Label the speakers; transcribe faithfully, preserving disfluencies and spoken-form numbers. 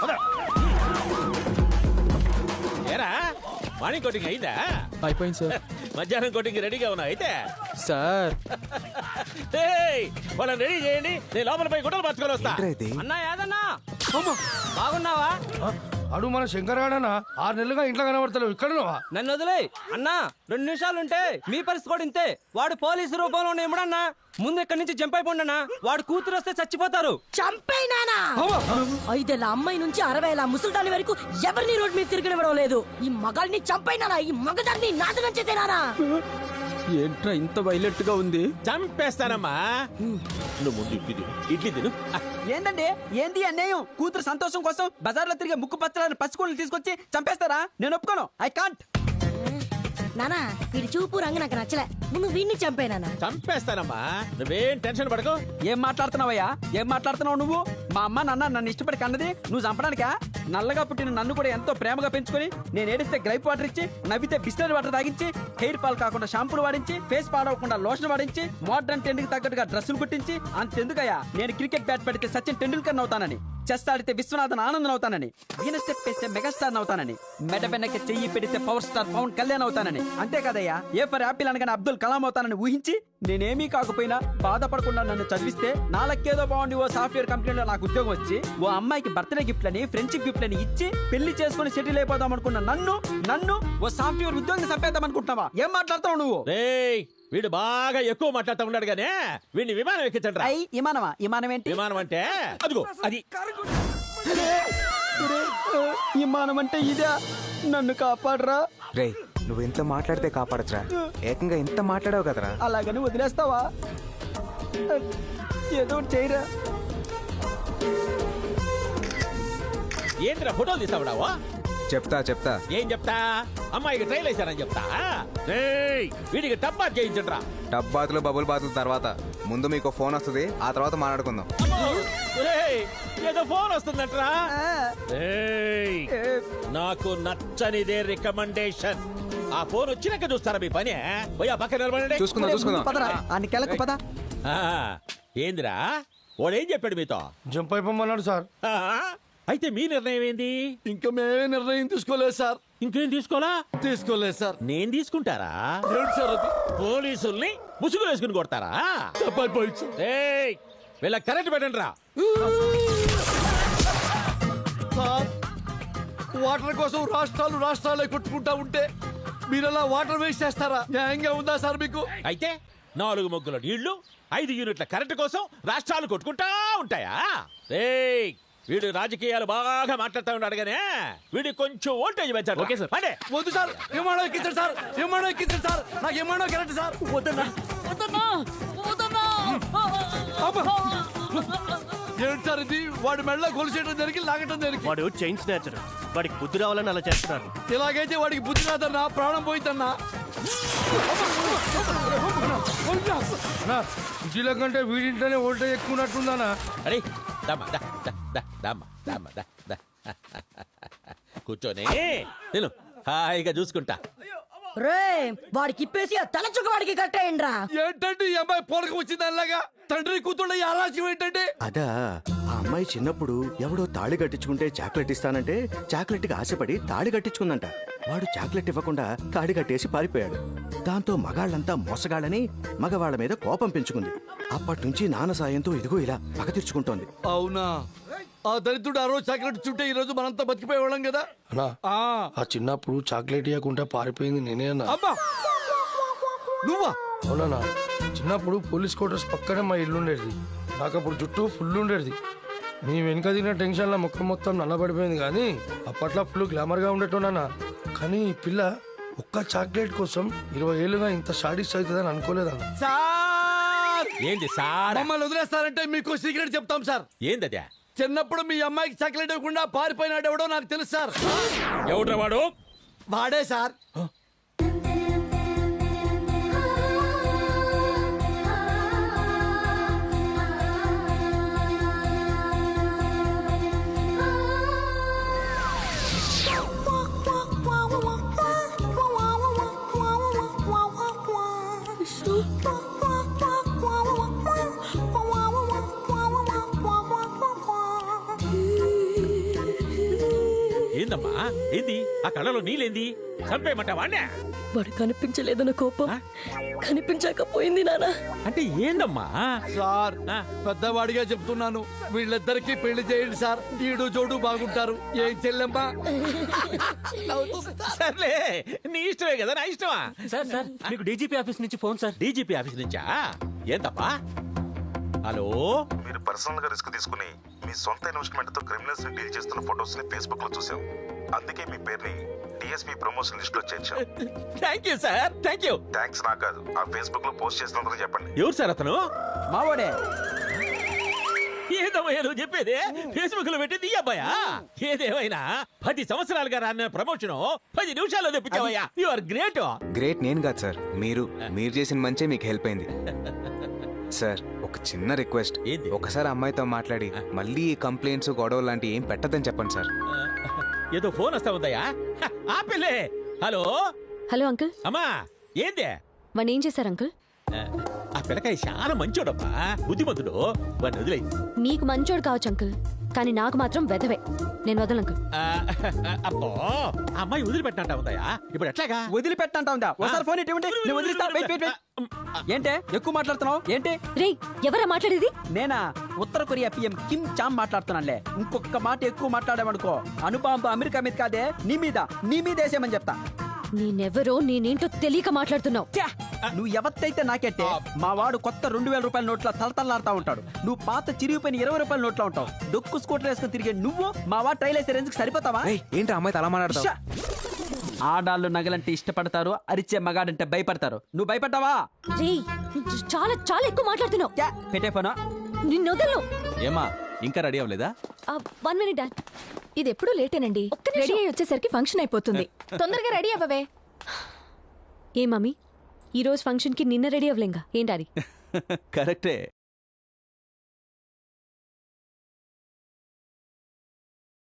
Speaker 1: ఏరా morning coating అయిందా?
Speaker 2: అయిపోయింది సార్.
Speaker 1: మధ్యాహ్నం కోటింగ్ రెడీగా ఉన్నా అయితే
Speaker 2: సార్
Speaker 1: వాళ్ళని రెడీ చేయండి, నేను లోపల పోయి గుడ్డలు పట్టుకొని వస్తా.
Speaker 3: అన్నా ఏదన్నా బాగున్నావా?
Speaker 4: అడు మన శంకరగాడనా ఆరు నెలలుగా ఇంట్లో కనబడతావు, ఇక్కడ
Speaker 3: నన్ను వదిలే అన్నా. రెండు నిమిషాలు ఉంటే మీ పరిస్థితి కూడా ఇంతే. వాడు పోలీసు రూపంలో ఇమ్మడన్నా. ముందు ఇక్కడి నుంచి జంప్ అయిపోండన్నా. వాడు కూతురు వస్తే చచ్చిపోతారు.
Speaker 5: చంపేనానా? ఐదేళ్ళ అమ్మాయి నుంచి అరవైల ముసల్దాని వరకు ఎవరిని రోడ్ మీద తిరగనివ్వడం లేదు. ఈ మగాల్ని చంపైనానా? ఈ మగదాన్ని నాశనం చేసేనానా?
Speaker 2: ఏంట్రా ఇంత వైలెట్ గా ఉంది?
Speaker 1: చంపేస్తానమ్మా. నువ్వు ముందు ఇడ్లీ తిను, ఇడ్లీ తిను.
Speaker 3: ఏందండి ఏంది అన్యాయం? కూతురు సంతోషం కోసం బజార్లో తిరిగే ముక్కు పచ్చలని పసికోళ్ళని తీసుకొచ్చి చంపేస్తారా? నేను ఒప్పుకోను. I can't.
Speaker 5: నానా వీడి చూపు రంగు నాకు నచ్చలే. ముందు వీడిని చంపేనానా?
Speaker 1: చంపేస్తానమ్మా, నువ్వేం టెన్షన్ పడకు.
Speaker 3: ఏం మాట్లాడుతున్నావయ్యా? ఏం మాట్లాడుతున్నావు నువ్వు? మా అమ్మ నాన్న నన్ను ఇష్టపడి కన్నది నువ్వు చంపడానికా? నల్లగా పుట్టిన నన్ను కూడా ఎంతో ప్రేమగా పెంచుకొని నేను ఏడిస్తే గ్రైప్ వాటర్ ఇచ్చి, నవ్వితే బిస్లరీ వాటర్ తాగించి, హెయిర్ ఫాల్ కాకుండా షాంపూలు వాడించి, ఫేస్ పాడవకుండా లోషన్ వాడించి, మోడర్న్ ట్రెండ్ కి తగ్గట్టుగా డ్రెస్సులు కుట్టించి, అంతెందుకయ్యా నేను క్రికెట్ బ్యాట్ పెడితే సచిన్ టెండూల్కర్ అవుతానని, చెస్ ఆడితే విశ్వనాథన్ ఆనందన్ అవుతానని, వీణ స్టెప్ వేస్తే మెగాస్టార్ అవుతానని, మెడ వెనక్కి చెయ్యి పెడితే పవర్ స్టార్ పవన్ కళ్యాణ్ అవుతానని, అంతే కదయ్యా ఏ ఫర్ యాపిల్ అనగానే అబ్దుల్ కలాం అవుతానని ఊహించి నేనేమీ కాకపోయినా బాధపడకుండా నన్ను చదివిస్తే నాలకేదో బాగుండి ఓ సాఫ్ట్వేర్ కంపెనీలో నాకు ఉద్యోగం వచ్చి ఓ అమ్మాయికి బర్త్డే గిఫ్ట్ అని ఫ్రెండ్షిప్ గిఫ్ట్ అని ఇచ్చి పెళ్లి చేసుకుని సెటిల్ అయిపోదాం అనుకున్న నన్ను నన్ను ఓ సాఫ్ట్వేర్ ఉద్యోగం చంపేద్దాం అనుకుంటున్నావా? ఏం మాట్లాడతావు నువ్వు?
Speaker 1: రేయ్ వీడు బాగా ఎక్కువ మాట్లాడుతూ ఉన్నాడు గానే వీడిని విమానం ఎక్కించండి రా.
Speaker 3: విమానమా? విమానం ఏంటి?
Speaker 1: విమానం అంటే అదిగో అది.
Speaker 3: విమానం అంటే ఇదే. నన్ను కాపాడరా.
Speaker 6: రే నువ్వు ఎంత మాట్లాడితే కాపాడచ్చురా, ఏకంగా ఎంత మాట్లాడావు కదరా.
Speaker 3: అలాగని వదిలేస్తావా? ఏదో చేయరా.
Speaker 1: ఏంద్రా ఫోటోలు తీస్తావుడావా?
Speaker 6: చెప్తా చెప్తా
Speaker 1: ఏం చెప్తా? అమ్మాయికి ట్రైల్ వేశారని చెప్తా. రేయ్ వీడికి టబ్బా చేయించండి రా.
Speaker 6: టబ్ బాతులు బబుల్ బాతుల తర్వాత ముందు మీకు ఫోన్ వస్తుంది, ఆ తర్వాత మాట్లాడుకుందాం.
Speaker 1: రేయ్ ఏదో ఫోన్ వస్తుందంటరా. రేయ్ నాకు నచ్చనిదే రికమెండేషన్. ఆ ఫోన్ వచ్చినాక చూస్తారా మీ పని? పోయా పక్కన నిలబడండి.
Speaker 6: చూసుకుందాం చూసుకుందాం.
Speaker 3: పదరా అన్ని కెలకు పద.
Speaker 1: ఆ, ఏందిరా వాడేం చెప్పాడు మీతో?
Speaker 4: జంప్ అయిపోమన్నాడు సార్.
Speaker 1: ఆ, అయితే మీ నిర్ణయం ఏంది?
Speaker 4: ఇంకా మేమే నిర్ణయం తీసుకోలేదు సార్.
Speaker 1: ఇంకేం తీసుకోలా?
Speaker 4: తీసుకోలేదు సార్.
Speaker 1: నేను తీసుకుంటారా?
Speaker 4: ఏంటి సార్ అది?
Speaker 1: పోలీసుల్ని ముసుగులు వేసుకుని కొడతారా? ఏయ్ వీళ్ళ కరెంట్ పెట్టండి రా.
Speaker 4: సార్ వాటర్ కోసం రాష్ట్రాలు రాష్ట్రాలే కొట్టుకుంటా ఉంటే మీరలా వాటర్ వేస్ట్ చేస్తారా? న్యాయంగా ఉందా సార్ మీకు?
Speaker 1: అయితే నాలుగు మొగ్గుల నీళ్లు ఐదు యూనిట్ల కరెంటు కోసం రాష్ట్రాలు కొట్టుకుంటా ఉంటాయా? ఏయ్ వీడు రాజకీయాలు బాగా మాట్లాడుతూ ఉన్నాడు గానే వీడి కొంచెం వోల్టేజ్ పెంచాడు.
Speaker 2: Okay sir.
Speaker 1: అంటే
Speaker 4: వద్దు సార్, విమానం ఎక్కించండి సార్, విమానం ఎక్కించండి సార్, నాకు విమానం కరెక్ట్ సార్. వద్దన్నా ఏంటి సార్ ఇది? వాడి మెడలో గొలుసేయడం జరిగి లాగటం జరిగి
Speaker 7: వాడు చైన్ స్నాచర్. వాడికి బుద్ధి రావాలని అలా చేస్తున్నారు.
Speaker 4: ఇలాగైతే వాడికి బుద్ధి రాదన్నా, ప్రాణం పోయిద్దన్నా. ఇంటిలో కంటే వీడింటనే వోల్టేజ్ ఎక్కువ ఉన్నట్టుందన్నా.
Speaker 1: అరే దమ్మా దా దా దా దమ్మా దమ్మా దా దా కూర్చొని నేను హాయిగా చూసుకుంటా.
Speaker 5: రే వాడికి ఇప్పేసి ఆ తల చుక్క వాడికి కట్టేయండి రా.
Speaker 4: ఏంటంటే ఈ అమ్మాయి పోలక వచ్చింది అలాగా? తండ్రి కూతుళ్ళ ఈ ఆలోచన ఏంటంటే?
Speaker 7: అదా ఆ అమ్మాయి చిన్నప్పుడు ఎవడో తాళి కట్టించుకుంటే చాక్లెట్ ఇస్తానంటే చాక్లెట్ కి ఆశపడి తాళి కట్టించుకుందంట. వాడు చాక్లెట్ ఇవ్వకుండా తాళి కట్టేసి పారిపోయాడు. దాంతో మగాళ్ళంతా మోసగాళ్ళని మగవాళ్ళ మీద కోపం పెంచుకుంది. అప్పటి నుంచి నాన్న సాయంతో ఇదిగో ఇలా పగ తీర్చుకుంటోంది.
Speaker 4: అవునా? ఆ దరిద్రుడు ఆ రోజు చాక్లెట్ చుట్టే ఈ రోజు మనంతా బతికిపోయేవాళ్ళం కదా.
Speaker 8: ఆ చిన్నప్పుడు చాక్లెట్ ఇవ్వకుండా పారిపోయింది నేనే అన్నా.
Speaker 4: అబ్బా నువ్వా?
Speaker 8: అవునా? చిన్నప్పుడు పోలీస్ క్వార్టర్స్ పక్కనే మా ఇల్లు ఉండేది. నాకు అప్పుడు జుట్టు ఫుల్ ఉండేది. నీ వెనుక తిన్న టెన్షన్లో ముఖం మొత్తం నల్లబడిపోయింది. కానీ అప్పట్లో ఫుల్ గ్లామర్గా ఉండేటోనా. కానీ ఈ పిల్ల ఒక్క చాక్లెట్ కోసం ఇరవై ఏళ్ళుగా ఇంత షాడిస్ట్ అవుతుందని అనుకోలేదన్న.
Speaker 4: సార్
Speaker 1: ఏంది సార్?
Speaker 4: మమ్మల్ని వదిలేస్తారంటే మీకు సీక్రెట్ చెప్తాం సార్.
Speaker 1: ఏందదే?
Speaker 4: చిన్నప్పుడు మీ అమ్మాయికి చాక్లెట్ ఇవ్వకుండా పారిపోయినాడు ఎవడో నాకు తెలుసు సార్.
Speaker 1: ఎవడ్రా వాడు?
Speaker 4: వాడే సార్.
Speaker 1: ఏందమ్మా ఏంది ఆ కళ్ళలో నీళ్ళేంది చంపేయమంట వాణ్ణే
Speaker 5: వాడు కనిపించలేదన్న కోపం కనిపించకపోయింది నాన్న.
Speaker 1: అంటే ఏందమ్మా
Speaker 4: సార్
Speaker 1: ఆ.
Speaker 4: పెద్దవాడిగా చెప్తున్నాను, వీళ్ళిద్దరికి పెళ్లి చేయండి సార్. ఈడు జోడు బాగుంటారు. ఏం చెల్లెమ్మా?
Speaker 1: సర్లే నీ ఇష్టమే కదా నా ఇష్టమా
Speaker 9: సార్ సార్ మీకు డీజీపీ ఆఫీస్ నుంచి ఫోన్ సార్.
Speaker 1: డీజీపీ ఆఫీస్ నుంచా ఏందప్పా హలో
Speaker 10: మీరు పర్సనల్ గా రిస్క్ తీసుకుని మీ సొంత ఇన్వెస్ట్మెంట్ తో క్రిమినల్స్ ని డీల్ చేస్తున్న ఫోటోస్ ని ఫేస్బుక్ లో చూసాం. అందుకే మీ పేరుని డిఎస్పీ ప్రమోషన్ లిస్ట్ లో చేర్చాం.
Speaker 1: Thank you sir thank you
Speaker 10: thanks నాకు కాదు, ఆ ఫేస్బుక్ లో పోస్ట్ చేసినందుకు చెప్పండి.
Speaker 1: ఎవరు సార్ అతను
Speaker 3: మావాడే.
Speaker 1: ఏదమ్మయ్యా నువ్వు చెప్పేది ఫేస్బుక్ లో పెట్టింది ఈ అబ్బాయా ఏదేమైనా పది సంవత్సరాలుగా రాన్న ప్రమోషన్ పది నిమిషాల్లో తెప్పించావయ్యా యు ఆర్ గ్రేట్
Speaker 6: గ్రేట్ నేను కాదు సార్, మీరు మీరు చేసిన మంచే మీకు హెల్ప్ అయింది. సార్ ఒక చిన్న రిక్వెస్ట్,
Speaker 1: ఏంది?
Speaker 6: ఒకసారి అమ్మాయితో మాట్లాడి మళ్ళీ ఈ కంప్లైంట్స్ గొడవలు లాంటి ఏం పెట్టద్దని చెప్పండి సార్.
Speaker 1: ఏదో ఫోన్ వస్తా ఉందయ్యా హ, ఆపిల్లే హలో
Speaker 11: హలో అంకుల్,
Speaker 1: అమ్మా ఏందే
Speaker 11: వాడిని ఏం చేశారు అంకుల్?
Speaker 1: ఆ పిల్లకాయ చాలా మంచోడమ్మా బుద్ధిమంతుడు వాడిని వదిలే
Speaker 11: మీకు మంచోడు కావచ్చు అంకుల్, కానీ నాకు మాత్రం వెధవే. నేను వదలను అంకుల్.
Speaker 1: అబ్బో ఆ అమ్మాయి వదిలిపెట్టినట్ట ఉందయ్యా ఇప్పుడు ఎట్లాగా
Speaker 3: వదిలిపెట్టంటా ఉందా? ఒకసారి ఫోన్ ఇటువంటి నేను వదిలిస్తా. Wait wait wait. ఏంటే ఎక్కువ మాట్లాడుతున్నావు ఏంటి?
Speaker 11: రే, ఎవరా మాట్లాడేది?
Speaker 3: నేనా ఉత్తర కొరియా పిఎం కిమ్ చామ్ మాట్లాడుతున్నానులే. ఇంకొక మాట ఎక్కువ మాట్లాడామనుకో అనుపాంతో అమెరికా మీద కాదే నీ మీద నీ మీద వేసేయమని చెప్తా.
Speaker 11: నేనెవరో నేనేంటో తెలియక మాట్లాడుతున్నావు.
Speaker 3: ఛే! నువ్వు ఎవత్తైతే నాకెట్టే మా వాడు కొత్త రెండు వేల రూపాయల నోట్ల తలతల్లాడుతా ఉంటాడు. నువ్వు పాత చిరిగిపోయిన ఇరవై రూపాయల నోట్లో ఉంటావు. డొక్కు స్కూటర్ వేసుకుని తిరిగే నువ్వు మా వాడు ట్రైల్ వేసే రేంజ్కి సరిపోతావా?
Speaker 6: ఏయ్, ఏంటి ఆ అమ్మాయితో అలా మాట్లాడతావు?
Speaker 3: షా! ఆడాళ్ళు నగలంటే ఇష్టపడతారు, అరిచే మగాడంటే భయపడతారు. నువ్వు భయపడ్డావా?
Speaker 11: రే, చాలా చాలా ఎక్కువ మాట్లాడుతున్నావు.
Speaker 3: ఛే! పెట్టే ఫోనా?
Speaker 11: నిన్ను వదలను.
Speaker 9: ఏమా ఇంకా రెడీ అవ్వలేదా?
Speaker 11: One minute dad.
Speaker 12: ఇది ఎప్పుడు లేటేనండి. రెడీ అయ్యి వచ్చేసరికి ఫంక్షన్ అయిపోతుంది. తొందరగా రెడీ అవ్వవే.
Speaker 11: ఏ మమ్మీ, ఈ రోజు ఫంక్షన్ కి నిన్న రెడీ అవ్వలేంగా ఏం డాడీ?
Speaker 9: కరెక్టే.